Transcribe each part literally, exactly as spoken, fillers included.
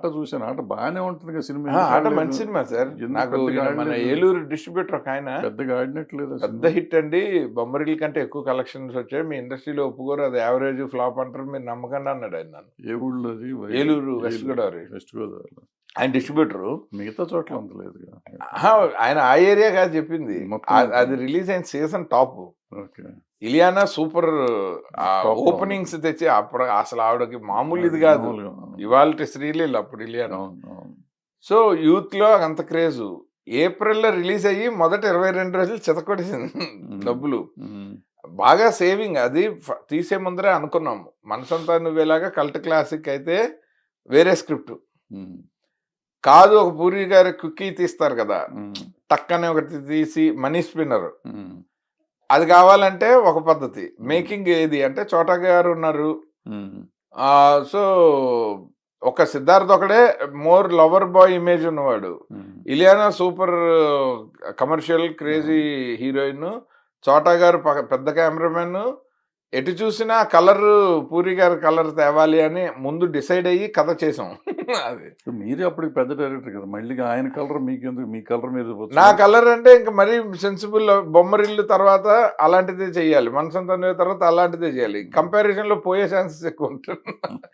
ఆట చూసాను, ఆట బాగానే ఉంటుంది కదా సినిమా. ఆ, ఆట మంచి సినిమా సార్. ఎందుకు నాకు పెద్దగా ఈయన మన ఆడలేదు? ఏలూరు డిస్ట్రిబ్యూటర్ ఒక ఆయన పెద్దగా ఆడినట్లేదు అసలు. పెద్ద హిట్ అండి, బొమ్మరిల్ కంటే ఎక్కువ కలెక్షన్స్ వచ్చాయి, మీ ఇండస్ట్రీలో ఒప్పుకోరు, అది యావరేజ్ ఫ్లాప్ అంటారు, మీరు నమ్మకండి అన్నాడు ఆయన నన్ను. ఏ ఊళ్ళో అది? వై- ఏలూరు, వెస్ట్ గోదావరి. వెస్ట్ గోదావరి. ఆయన డిస్ట్రిబ్యూటరు. మిగతా చోట్ల అంత లేదు కదా. ఆయన ఆ ఏరియా కాదు చెప్పింది, మొత్తం ఆ- అది రిలీజ్ అయిన season top. Okay. Ileana super Top openings తెచ్చి అప్పుడు అసలు ఆవిడకి మామూలు ఇది కాదు, మామూలుగా, అవును. ఇవాళ శ్రీలీల అప్పుడు ఇలియానా. అవును, అవును. సో యూత్ లో అంత క్రేజ్. ఏప్రిల్లో రిలీజ్ అయ్యి మొదట ఇరవై రెండు రోజులు చితకొట్టేసింది డబ్బులు. ఉమ్, బాగా సేవింగ్. అది ఫ- తీసే ముందరే అనుకున్నాము, మనసంతా నువ్వేలాగా కల్ట్ క్లాసిక్ అయితే వేరే స్క్రిప్ట్ ఉమ్, కాదు. ఒక పూరి గారి కుక్కీ తీస్తారు కదా, ఉమ్, టక్కనే ఒకటి తీసి మనీ స్పిన్నర్, ఉమ్, అది కావాలంటే ఒక పద్ధతి. మేకింగ్ ఏది అంటే చోటా గారు ఉన్నారు, ఉమ్, ఆ, సో ఒక సిద్ధార్థ్ ఒకడే మోర్ లవర్ బాయ్ ఇమేజ్ ఉన్నవాడు. Um, Ileana super commercial crazy heroine, Chota గారు పక్క- పెద్ద కెమెరామెన్. ఎటు చూసినా కలర్ పూరి గారి కలర్ తేవాలి అని ముందు డిసైడ్ అయ్యి కథ చేసాం. అది మీరే అప్పటికి పెద్ద డైరెక్టర్ కదా, మళ్ళీ ఆయన కలర్ మీకెందుకు? మీ కలర్ మీద పోతుంది. నా కలర్ అంటే ఇంకా మరీ సెన్సిబుల్. బొమ్మరిల్లు తర్వాత అలాంటిదే చెయ్యాలి, మనసంతా నువ్వే తర్వాత అలాంటిదే చేయాలి. కంపారిజన్ లో పోయే ఛాన్సెస్ ఎక్కువ ఉంటుంది.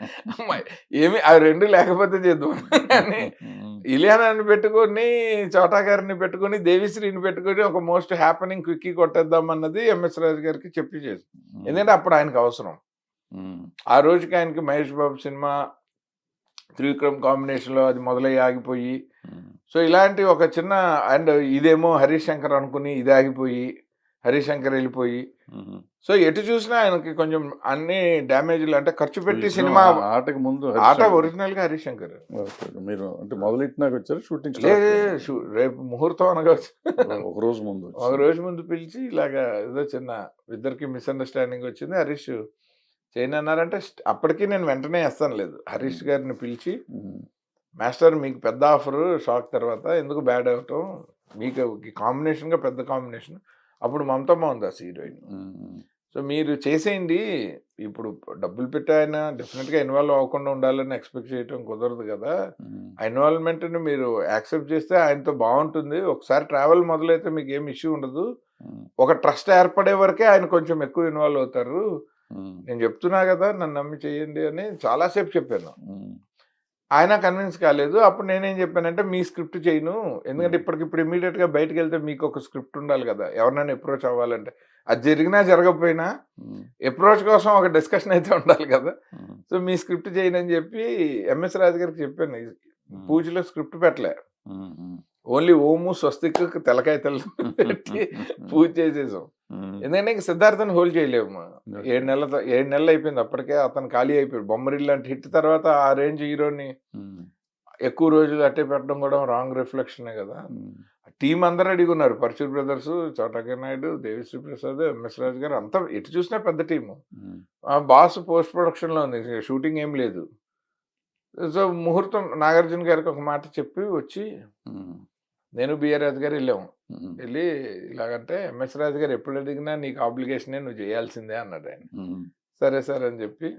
ఏమి అవి రెండు లేకపోతే చేద్దాం అని ఉమ్, ఇలియానాని పెట్టుకొని, చోటా గారిని పెట్టుకొని, దేవిశ్రీని పెట్టుకొని ఒక మోస్ట్ హ్యాపెనింగ్ క్విక్కీ కొట్టేద్దాం అన్నది ఎంఎస్ రాజు గారికి చెప్పి చేసి. ఎందుకంటే అప్పుడు ఆయనకు అవసరం. ఉమ్, ఆ రోజుకి ఆయనకి మహేష్ బాబు సినిమా త్రివిక్రమ్ కాంబినేషన్ లో అది మొదలయ్యి ఆగిపోయి, ఉమ్, సో ఇలాంటి ఒక చిన్న అండ్ ఇదేమో హరీష్ శంకర్ అనుకుని ఇది ఆగిపోయి, హరీష్ శంకర్ వెళ్ళిపోయి, ఉమ్. సో ఎటు చూసినా ఆయనకి కొంచెం అన్ని డ్యామేజ్లు. అంటే ఖర్చు పెట్టి ఈ సినిమా ఆ- ఆటకి ముందు ఆట ఒరిజినల్ గా హరీష్ శంకర్. ఓకే. మీరు అంటే మొదలెట్టినాక వచ్చారు షూటింగ్? లేదు, షూ- రేపు ముహూర్తం అనగా వచ్చి ఒక రోజు ముందు వచ్చి. ఒక రోజు ముందు పిలిచి ఇలాగా ఏదో చిన్న ఇద్దరికి మిస్అండర్స్టాండింగ్ వచ్చింది, హరీష్ చేయను అన్నారంటే స్ట్- అప్పటికి నేను వెంటనే వేస్తాను లేదు, హరీష్ గారిని పిలిచి, ఉమ్, మాస్టర్ మీకు పెద్ద ఆఫర్ షాక్ తర్వాత ఎందుకు బ్యాడ్ అవటం, మీకు కాంబినేషన్గా పెద్ద కాంబినేషన్. అప్పుడు మమతమ్మ ఉంది ఆ హీరోయిన్. ఉమ్, సో మీరు చేసేయండి, ఇప్పుడు డబ్బులు పెట్టి ఆయన డెఫినెట్గా ఇన్వాల్వ్ అవ్వకుండా ఉండాలని ఎక్స్పెక్ట్ చేయటం కుదరదు కదా, ఉమ్, ఆ ఇన్వాల్వ్మెంట్ని మీరు యాక్సెప్ట్ చేస్తే ఆయనతో బాగుంటుంది, ఒకసారి ట్రావెల్ మొదలైతే మీకు ఏం ఇష్యూ ఉండదు, ఉమ్, ఒక ట్రస్ట్ ఏర్పడే వరకే ఆయన కొంచెం ఎక్కువ ఇన్వాల్వ్ అవుతారు, ఉమ్, నేను చెప్తున్నా కదా నన్ను నమ్మి చేయండి అని చాలాసేపు చెప్పాను. ఉమ్, ఆయన కన్విన్స్ కాలేదు. అప్పుడు నేనేం చెప్పానంటే మీ స్క్రిప్ట్ చేయను, ఎందుకంటే ఇప్పటికిప్పుడు ఇమీడియట్గా బయటకు వెళ్తే మీకు ఒక స్క్రిప్ట్ ఉండాలి కదా, ఎవరినైనా అప్రోచ్ అవ్వాలంటే, అది జరిగినా జరగకపోయినా ఉమ్, అప్రోచ్ కోసం ఒక డిస్కషన్ అయితే ఉండాలి కదా, ఉమ్, సో మీ స్క్రిప్ట్ చేయనని చెప్పి ఎంఎస్ రాజు గారికి చెప్పాను. ఉమ్, పూజలో స్క్రిప్ట్ పెట్టలే, ఉమ్, ఉమ్, ఓన్లీ ఓము స్వస్తిక్ తెలకాయ తెల్ల పెట్టి పూజ చేసేసాం. ఉమ్, ఎందుకంటే ఇంక సిద్ధార్థని హోల్డ్ చేయలేము. ఏడు నెలల ఏడు నెలలు అయిపోయింది అప్పటికే, అతను ఖాళీ అయిపోయాడు. బొమ్మరిల్ లాంటి హిట్ తర్వాత ఆ రేంజ్ హీరోని ఉమ్, ఎక్కువ రోజులు అట్టే పెట్టడం కూడా రాంగ్ రిఫ్లెక్షనే కదా. ఉమ్, టీం అందరూ అడిగి ఉన్నారు, పరశుర్ బ్రదర్స్, చోటకే నాయుడు, దేవిశ్రీ ప్రసాద్, ఎంఎస్ రాజు గారు, అంతా ఎటు చూసినా పెద్ద టీము. ఉమ్, బాస్ పోస్ట్ ప్రొడక్షన్లో ఉంది, షూటింగ్ ఏం లేదు. సో ముహూర్తం నాగార్జున గారికి ఒక మాట చెప్పి వచ్చి ఉమ్, నేను బిఆర్ రాజు గారు వెళ్ళాము. ఉమ్, వెళ్ళి ఇలాగంటే ఎంఎస్ రాజు గారు ఎప్పుడు అడిగినా నీకు ఆబ్లిగేషనే, నువ్వు చేయాల్సిందే అన్నాడు ఆయన. ఉమ్, సరే సార్ అని చెప్పి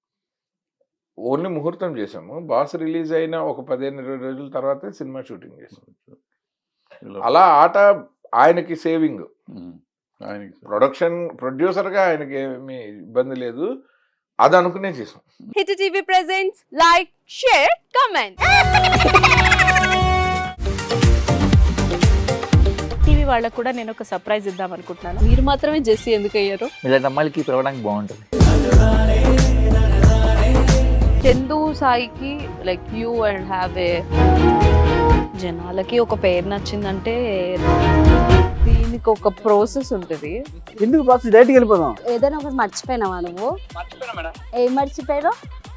ఓన్లీ ముహూర్తం చేసాము. బాస్ రిలీజ్ అయిన ఒక పదిహేను ఇరవై రోజుల తర్వాతే సినిమా షూటింగ్ చేసాం. ఇలా- అలా ఆట ఆయనకి సేవింగ్, ఉమ్, ఆయనకి ప్రొడక్షన్ ప్రొడ్యూసర్గా ఆయనకి ఏమీ ఇబ్బంది లేదు, అది అనుకునే చేసాం. Hit TV presents like share comment. TV వాళ్ళకు కూడా నేను ఒక సర్ప్రైజ్ ఇద్దాం అనుకుంటున్నాను. మీరు మాత్రమే జెస్సీ ఎందుకు అయ్యారు? ఇలాంటి అమ్మాయిలకి పిలవడానికి బాగుంటుంది. చందు సాయికి like you and have a జనాలకి ఒక పేరు నచ్చిందంటే దీనికి ఒక ప్రాసెస్ ఉంటుంది. ఎందుకు బాక్స్ డైరెక్ట్కి వెళ్ళిపోదాం. ఏదైనా ఒకటి మర్చిపోయినావా నువ్వు? ఏం మర్చిపోయావు?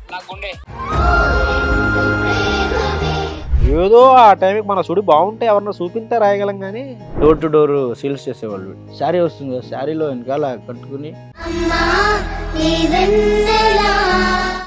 ఏదో ఆ టైంకి మన సుడి బాగుంటే ఎవరన్నా చూపిస్తే రాయగలం కానీ డోర్ టు డోర్ సేల్స్ చేసేవాళ్ళు. శారీ వస్తుంది కదా, శారీలో వెనకాల కట్టుకుని